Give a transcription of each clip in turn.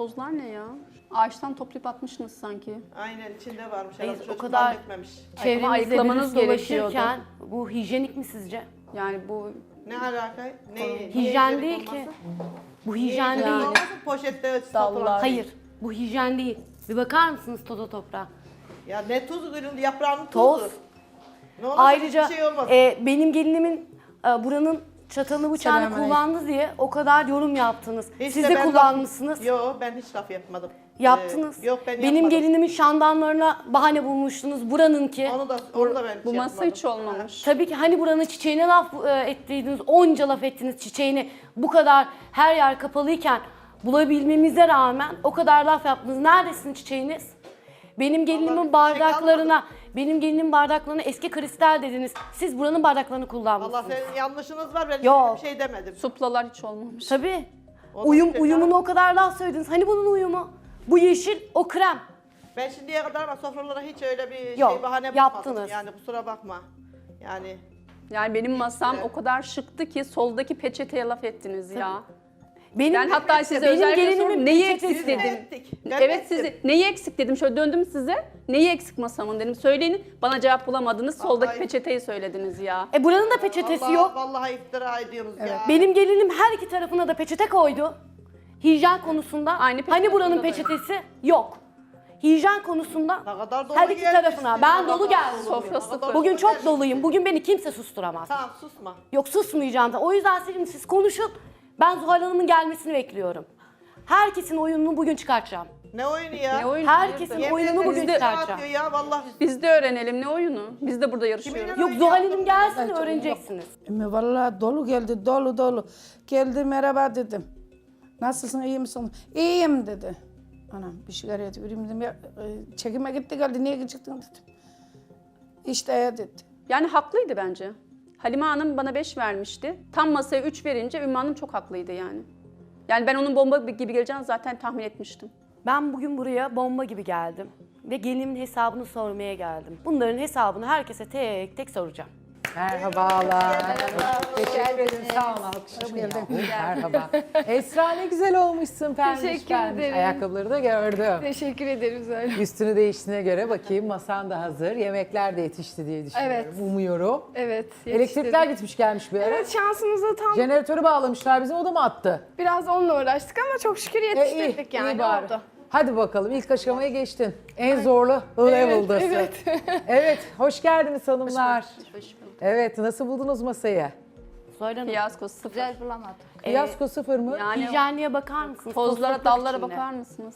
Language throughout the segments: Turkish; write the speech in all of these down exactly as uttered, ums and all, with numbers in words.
tozlar ne ya? Ağaçtan toplayıp atmışsınız sanki. Aynen içinde varmış. Hayır, Herhalde o çocuk kadar etmemiş. çevremizde ayıklamanız virüs gerekiyordu. dolaşırken bu hijyenik mi sizce? Yani bu Ne alaka? Ne? Hijyen niye değil içerik ki. olmasın? Bu Niye hijyen içerik değil. olmasın? Poşette satılan. Hayır, bu hijyen değil. Bir bakar mısınız toza toprağa? Ya ne tuzu ürün yaprağının Toz. tuzu. Ne olacak? Ayrıca Hiçbir şey olmaz. e, benim gelinimin e, buranın çatalını bıçağını kullandı diye o kadar yorum yaptınız. Hiç Siz de de ben kullanmışsınız. Laf, yo ben hiç laf yapmadım. Yaptınız. Ee, yok ben Benim yapmadım. gelinimin şandanlarına bahane bulmuştunuz. Buranınki. Onu da, onu da ben hiç bu masa yapmadım. hiç olmamış. Tabii ki hani buranın çiçeğine laf e, ettiydiniz. Onca laf ettiniz çiçeğini. Bu kadar her yer kapalıyken bulabilmemize rağmen o kadar laf yaptınız. Neredesin çiçeğiniz? Benim gelinimin Vallahi bardaklarına, benim gelinimin bardaklarına eski kristal dediniz. Siz buranın bardaklarını Allah kullanmışsınız. senin yanlışınız var ben Yok. hiçbir şey demedim. Suplalar hiç olmamış. Tabii. O da Uyum, işte uyumunu canım. o kadar laf söylediniz. Hani bunun uyumu? Bu yeşil, o krem. Ben şimdiye kadar ama sofralara hiç öyle bir Yok, şey bahane yaptınız. bulmadım. Yani kusura bakma. Yani Yani benim masam Evet. o kadar şıktı ki soldaki peçeteye laf ettiniz ya. Benim, Ben hatta size benim özellikle gelinimin sordum, neyi peçetesi- eksik dedim. ettik. Ben Evet ettim. sizi neyi eksik dedim. Şöyle döndüm size. Neyi eksik masamın dedim. Söyleyin. Bana cevap bulamadınız. Soldaki Vallahi- peçeteyi söylediniz ya. E buranın da peçetesi vallahi, yok. Vallahi iftira ediyorsunuz ya. Benim gelinim her iki tarafına da peçete koydu. Hijyen konusunda. Aynı peçete hani buranın burada da peçetesi yok. Hijyen konusunda Ne kadar dolu her iki gelmişsin, tarafına. ne Ben kadar dolu geldim. dolu, Sofra ne kadar sıfır. dolu Bugün çok gelmişsin. doluyum. Bugün beni kimse susturamaz. Tamam susma. Yok susmayacağım da. O yüzden şimdi siz konuşun. Ben Zuhal Hanım'ın gelmesini bekliyorum. Herkesin oyununu bugün çıkartacağım. Ne oyunu ya? Ne oyunu? Herkesin Hayırdır? oyununu Yemin bugün ederim iftira çıkartacağım. atıyor ya vallahi. Biz de öğrenelim ne oyunu? Biz de burada yarışıyoruz. Kiminle- Yok Zuhal Hanım gelsin öğreneceksiniz. Emme vallahi dolu geldi, dolu dolu. Geldi merhaba dedim. Nasılsın, iyi misin? İyiyim dedi. Anam bir sigara vereyim dedim. Ya, e, çekime gitti geldi, niye çıktın dedim. İşte ya dedi. Yani haklıydı bence. Halime Hanım bana beş vermişti. Tam masaya üç verince Ümmü Hanım çok haklıydı yani. Yani ben onun bomba gibi geleceğini zaten tahmin etmiştim. Ben bugün buraya bomba gibi geldim. Ve gelinimin hesabını sormaya geldim. Bunların hesabını herkese tek tek soracağım. Merhabalar. Teşekkür ederim. Sağ olun. Alkışlamayın yahu. Merhaba. Esra ne güzel olmuşsun. Pembiş Teşekkür pembiş. ederim. Ayakkabıları da gördüm. Teşekkür ederim Zahra. Üstünü değiştiğine göre bakayım masan da hazır. Yemekler de yetişti diye düşünüyorum. Evet. Umuyorum. Evet. Elektrikler yetiştirdim. gitmiş gelmiş bir ara. Evet şansımıza tam Jeneratörü bağlamışlar bizim, o da mı attı? biraz onunla uğraştık ama çok şükür E, iyi, yetiştirdik yani iyi bari. oldu. Hadi bakalım, ilk aşamaya geçtin. En zorlu level'dasın. evet. Evet, hoş geldiniz hanımlar. Hoş bulduk. Evet, nasıl buldunuz masayı? Zuhal Hanım, Fiyasko sıfır. Fiyasko sıfır mı? Yani hijyenliğe bakar mısınız? tozlara, Tozluklar dallara içinde. bakar mısınız?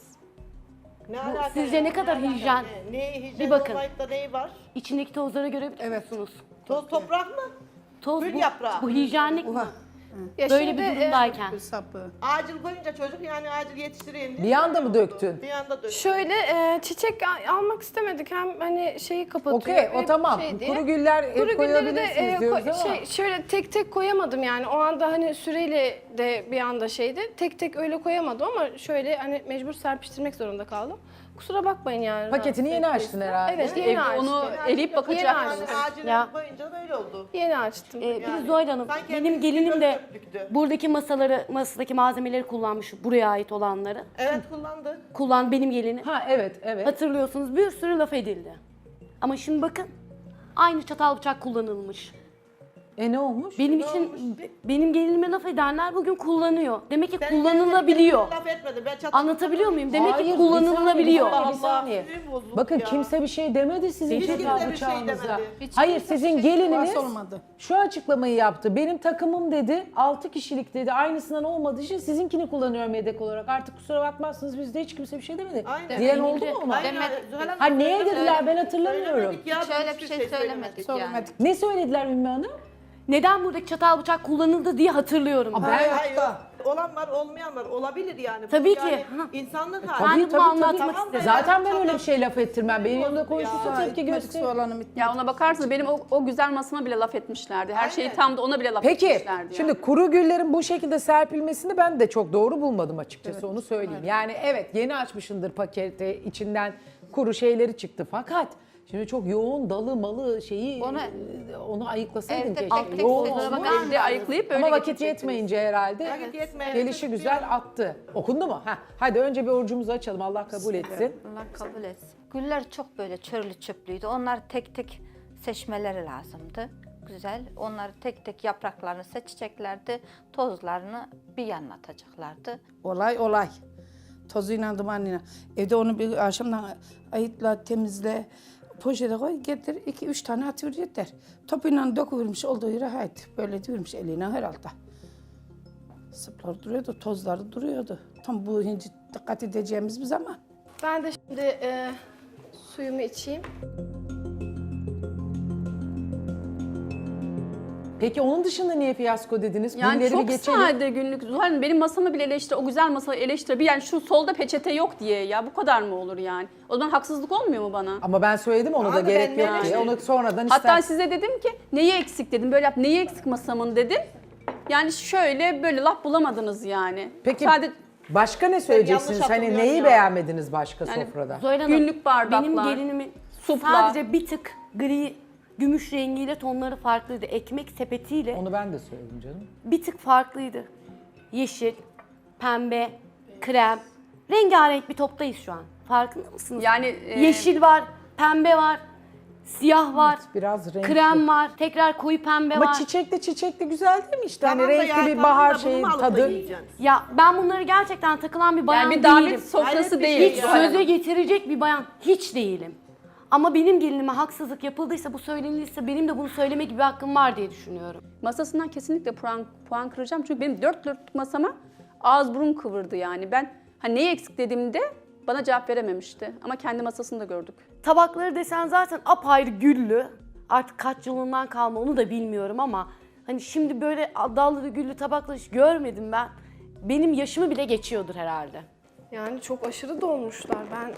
Ne alaka sizce ya? ne kadar alaka? hijyen? Ne, ne hijyen Bir bakın. olmayıp da neyi var? İçindeki tozları görebiliyor musunuz? Toz toprak mı? Toz Gül bu, yaprağı. bu hijyenlik mi? Ya Böyle şimdi, bir e, durumdayken. Sapı. Acil koyunca çocuk yani acil yetiştireyim diye. Bir anda mı döktün? Bir anda döktüm. şöyle e, çiçek a- almak istemedik hem hani şeyi kapatıyor. Okey, o hep tamam. şey diye. Kuru güller hep Kuru gülleri de koyabilirsiniz e, diyoruz ko- ama. şey, şöyle tek tek koyamadım yani o anda hani süreyle de bir anda şeydi. Tek tek öyle koyamadım ama şöyle hani mecbur serpiştirmek zorunda kaldım. Kusura bakmayın yani. Paketini yeni rahatsız açtın ettiyse. herhalde. Evet yeni Ev- açtım. onu eleyip bakacak Yeni mısınız? açtım. Acil Ya. koyunca böyle oldu. Yeni açtım. Ee, bir Yani Zuhal Hanım, sanki benim hepimiz gelinim bir de döktüktü. buradaki masaları, masadaki malzemeleri kullanmış, buraya ait olanları. Evet kullandı. Kullan benim gelinim. Ha evet, evet. Hatırlıyorsunuz bir sürü laf edildi. Ama şimdi bakın, aynı çatal bıçak kullanılmış. E ne olmuş? Benim için, benim gelinime laf edenler bugün kullanıyor. Demek ki Sen kullanılabiliyor. kendine laf etmedin. Ben çatı- Anlatabiliyor muyum? Demek Hayır, ki bir kullanılabiliyor. saniye, bir saniye. Sinirim bozuldu Bakın ya. kimse bir şey demedi sizin Hiç çatal kimse bir şey bıçağınıza. demedi. Hayır, sizin gelininiz Nasıl olmadı? şu açıklamayı yaptı. Benim takımım dedi, altı kişilik dedi. Aynısından olmadığı için sizinkini kullanıyorum yedek olarak. Artık kusura bakmazsınız, bizde hiç kimse bir şey demedi. Aynen. Diyen oldu mu ama? Aynen. Zuhal Hanım Ha neye söylemedi. dediler ben hatırlamıyorum. Söylemedik ya, Şöyle hiçbir bir şey söylemedik yani. Söylemedik. Ne söylediler Ümmü Hanım? Neden buradaki çatal bıçak kullanıldı diye hatırlıyorum. ben. Hayır, hayır, yok. Olan var, olmayan var. Olabilir yani. Bu Tabii yani ki. Ha. insanlık Ben hali. de bunu anlatmak Tamam da istedim. Zaten ben yani öyle bir şey laf ettirmem. Benim yanımda konuşursa Ya, tepki Gitmedik, göster. soğanım bitmedi. Ya ona bakarsanız benim o, o güzel masama bile laf etmişlerdi. Her şeyi Aynen. tam da ona bile laf Peki, etmişlerdi. şimdi yani. kuru güllerin bu şekilde serpilmesini ben de çok doğru bulmadım açıkçası, onu söyleyeyim. Yani evet, yeni açmışındır paketi, içinden kuru şeyleri çıktı fakat Şimdi çok yoğun dalı malı şeyi Onu- onu, onu ayıklasaydın Evde keşke. tek tek Yoğun sözlere olmuş. bakar Evde ayıklayıp öyle Ama vakit getirecektiniz. yetmeyince herhalde Vakit yetmeyince gelişi güzel attı. Okundu mu? Heh. Hadi önce bir orucumuzu açalım. Allah kabul etsin. Allah kabul etsin. Güller çok böyle çörlü çöplüydü. Onları tek tek seçmeleri lazımdı. Güzel. Onları tek tek yapraklarını seçeceklerdi. Tozlarını bir yana atacaklardı. Olay olay. Tozuyla dumanıyla. Evde onu bir akşamdan ayıtla, temizle, poşete koy, getir. iki üç tane atıyor yeter. Topuyla döküvermiş olduğu yere haydi. Böyle diyormuş eline herhalde. Sıplar duruyordu, tozları duruyordu. Tam bu hinci dikkat edeceğimiz bir zaman. Ben de şimdi e, suyumu içeyim. Peki onun dışında niye fiyasko dediniz? Yani Günleri bir çok geçelim. sade günlük. Zuhal Hanım benim masamı bile eleştir, o güzel masayı eleştir. Bir yani şu solda peçete yok diye ya bu kadar mı olur yani? O zaman haksızlık olmuyor mu bana? Ama ben söyledim ona da Abi gerek ben yok ne- diye. Onu sonradan Hatta ister. size dedim ki neyi eksik dedim. Böyle yap neyi eksik masamın dedim. Yani şöyle böyle laf bulamadınız yani. Peki Sadece başka ne söyleyeceksiniz? yanlış Hani hatırlıyorum neyi ya. beğenmediniz başka Yani sofrada? Zuhal Hanım, Günlük bardaklar, benim gelinimin suplar. sadece bir tık gri, gümüş rengiyle tonları farklıydı. Ekmek sepetiyle Onu ben de söyledim canım. bir tık farklıydı. Yeşil, pembe, krem. Rengarenk bir toptayız şu an. Farkında mısınız? yani e, Yeşil var, pembe var, siyah var, Biraz renkli. krem var, tekrar koyu pembe Ama var. çiçekli çiçekli güzel değil mi işte? Tamam hani da renkli ya, bir tamam bahar da bunu şeyi mu alıp da tadı. yiyeceksin? Ya ben bunları gerçekten takılan bir bayan yani bir değilim. davet sofrası Hayret bir değil. şey Hiç ya. Zuhal Hanım. söze getirecek bir bayan hiç değilim. Ama benim gelinime haksızlık yapıldıysa, bu söylenilirse benim de bunu söyleme gibi bir hakkım var diye düşünüyorum. Masasından kesinlikle puan, puan kıracağım. Çünkü benim dört dörtlük masama ağız burun kıvırdı yani. Ben hani neyi eksik dediğimde bana cevap verememişti. Ama kendi masasında gördük. Tabakları desen zaten apayrı güllü. Artık kaç yılından kalma onu da bilmiyorum ama hani şimdi böyle dallı güllü tabaklar hiç görmedim ben. Benim yaşımı bile geçiyordur herhalde. Yani çok aşırı dolmuşlar. Ben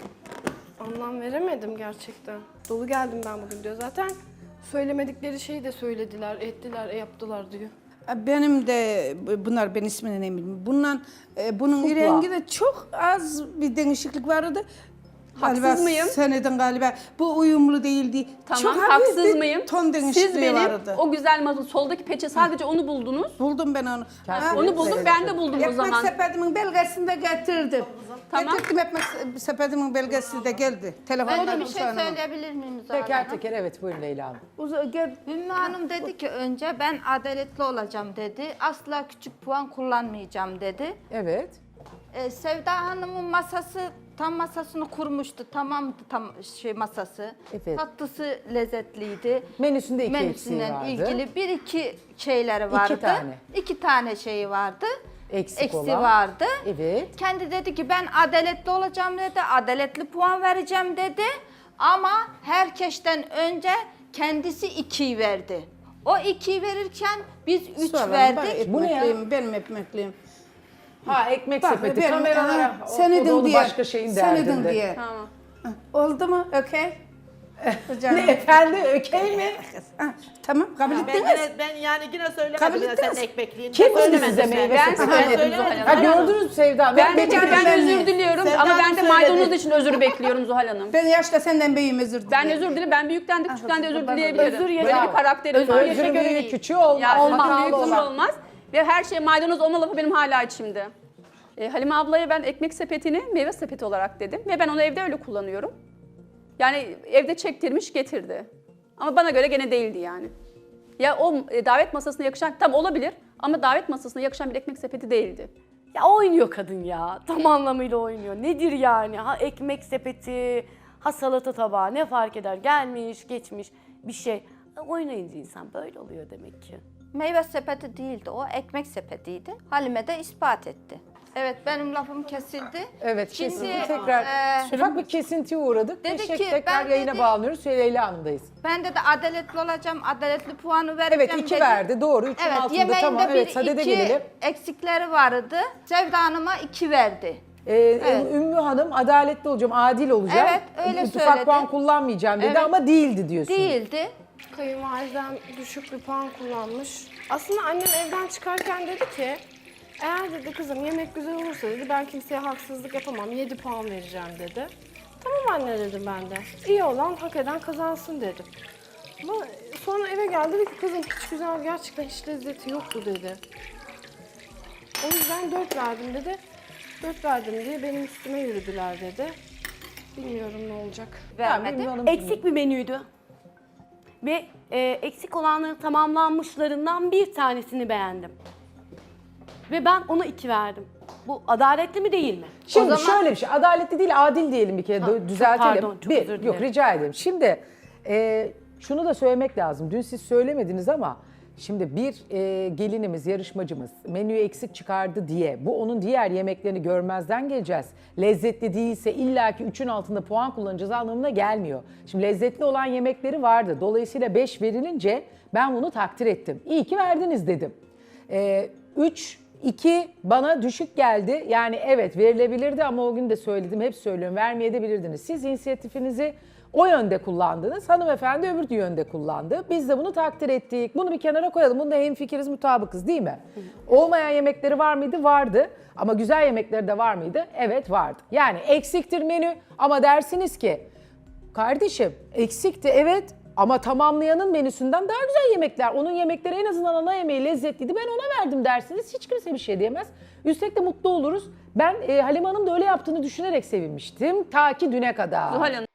anlam veremedim gerçekten. Dolu geldim ben bugün diyor. Zaten söylemedikleri şeyi de söylediler, ettiler, e, yaptılar diyor. Benim de bunlar ben ismini ne bileyim. Bundan e, bunun Supla. rengi de çok az bir değişiklik vardı. Haksız Galiba mıyım? Seneden galiba bu uyumlu değildi. Tamam, çok hafif haksız bir mıyım? ton değişikliği Siz benim vardı. o güzel masa, soldaki peçe sadece onu buldunuz. Buldum ben onu. Ha, Onu buldum, ben de buldum o Ekmek zaman. sepetimin belgesini de getirdim. Tamam. Getirdim ekmek sepetimin belgesi de geldi. Ben Telefonda de bir şey söyleyebilir miyim Zuhal Teker Hanım? teker evet buyurun Leyla Hanım. Uza, gel. Ümmü Hanım dedi ki önce ben adaletli olacağım dedi. Asla küçük puan kullanmayacağım dedi. Evet. Ee, Sevda Hanım'ın masası tam masasını kurmuştu. Tamamdı tam şey masası. Evet. Tatlısı lezzetliydi. Menüsünde iki eksiği Menüsünden vardı. ilgili bir iki şeyleri vardı. tane. İki tane şeyi vardı. Eksik Eksi olan. vardı. Evet. Kendi dedi ki ben adaletli olacağım dedi. Adaletli puan vereceğim dedi. Ama herkesten önce kendisi ikiyi verdi. O ikiyi verirken biz üç Soralım, verdik. Bu ne ya? ekmekliyim, benim ekmekliyim. Ha ekmek Bak, sepeti benim- kameralara. Ha, o- sen o da edin onu diye. başka şeyin Sen edin derdinde. diye. Tamam. Oldu mu? Okey. Hocam. Ne efendi ökey mi? Ha, tamam kabul Ben, ettiniz. yine, ben yani yine Kabul söylemedim ya sen ettiniz. ekmekliğini. Kim Ben dedi söylemedim size sen. meyve Ben sepeti? söyledim Zuhal söylemedim. Ha Hanım. gördünüz mü Sevda? Ben de Ben- çünkü ben ben- özür diliyorum Sevda ama Hanım ben de söyledi. maydanoz için özür bekliyorum Zuhal Hanım. Ben yaşta senden büyüğüm özür dilerim. Ben özür dilerim. Ben büyükten de küçükten de özür ben- dileyebilirim. özür Böyle yaşa- bir karakterim var. özür Özrün göre büyüğü değil. küçüğü olmaz. Ya Olmaz. olmaz. Büyük Olmaz. olur olmaz. Ve her şey maydanoz olma lafı benim hala içimde. E, Halime ablaya ben ekmek sepetini meyve sepeti olarak dedim. Ve ben onu evde öyle kullanıyorum. Yani evde çektirmiş getirdi. Ama bana göre gene değildi yani. Ya o e, davet masasına yakışan, tam olabilir ama davet masasına yakışan bir ekmek sepeti değildi. Ya oynuyor kadın ya. Tam anlamıyla oynuyor. Nedir yani? Ha ekmek sepeti, ha salata tabağı ne fark eder? Gelmiş, geçmiş bir şey. Oynayınca insan böyle oluyor demek ki. Meyve sepeti değildi o, ekmek sepetiydi. Halime de ispat etti. Evet, benim lafım kesildi. Evet Şimdi, kesinlikle tekrar e, ufak bir kesintiye uğradık. dedi Teşekkür ki, tekrar ben yayına dedi- bağlanıyoruz. Leyla Hanım'dayız. Ben de adaletli olacağım, adaletli puanı vereceğim Evet iki dedi. verdi doğru. Üçün Evet, altında yemeğinde tamam. bir Evet sadede iki gelelim. eksikleri vardı. Sevda Hanım'a iki verdi. Ee, Evet. Ümmü Hanım adaletli olacağım, adil olacağım. Evet, öyle Ufak söyledi. puan kullanmayacağım dedi Evet. ama değildi diyorsun. Değildi. Kayınvalidem düşük bir puan kullanmış. Aslında annem evden çıkarken dedi ki, eğer dedi kızım yemek güzel olursa dedi ben kimseye haksızlık yapamam, yedi puan vereceğim dedi. Tamam anne dedim ben de. İyi olan hak eden kazansın dedim. Ama sonra eve geldi dedi ki kızım hiç güzel, gerçekten hiç lezzeti yoktu dedi. O yüzden dört verdim dedi. Dört verdim diye benim üstüme yürüdüler dedi. Bilmiyorum ne olacak. Vermedi. Benim hanım- Eksik bir menüydü. Ve e, eksik olanların tamamlanmışlarından bir tanesini beğendim. Ve ben ona iki verdim. Bu adaletli mi değil mi? Şimdi O zaman- şöyle bir şey, adaletli değil, adil diyelim bir kere, Ha, dö- çok düzeltelim. pardon, çok bir, özür yok dilerim. rica ederim. Şimdi e, şunu da söylemek lazım. Dün siz söylemediniz ama şimdi bir e, gelinimiz, yarışmacımız menüyü eksik çıkardı diye bu onun diğer yemeklerini görmezden geleceğiz. Lezzetli değilse illaki üçün altında puan kullanacağız anlamına gelmiyor. Şimdi lezzetli olan yemekleri vardı. Dolayısıyla beş verilince ben bunu takdir ettim. İyi ki verdiniz dedim. E, üç, iki bana düşük geldi. Yani evet verilebilirdi ama o gün de söyledim, hep söylüyorum, vermeyebilirdiniz. Siz inisiyatifinizi o yönde kullandınız. Hanımefendi öbür yönde kullandı. Biz de bunu takdir ettik. Bunu bir kenara koyalım. Bunda hemfikiriz, mutabıkız değil mi? Olmayan yemekleri var mıydı? Vardı. Ama güzel yemekleri de var mıydı? Evet vardı. Yani eksiktir menü ama dersiniz ki kardeşim eksikti evet ama tamamlayanın menüsünden daha güzel yemekler. Onun yemekleri en azından ana yemeği lezzetliydi. Ben ona verdim dersiniz. Hiç kimse bir şey diyemez. Üstelik de mutlu oluruz. Ben e, Halime Hanım da öyle yaptığını düşünerek sevinmiştim. Ta ki düne kadar. Zuhal Hanım.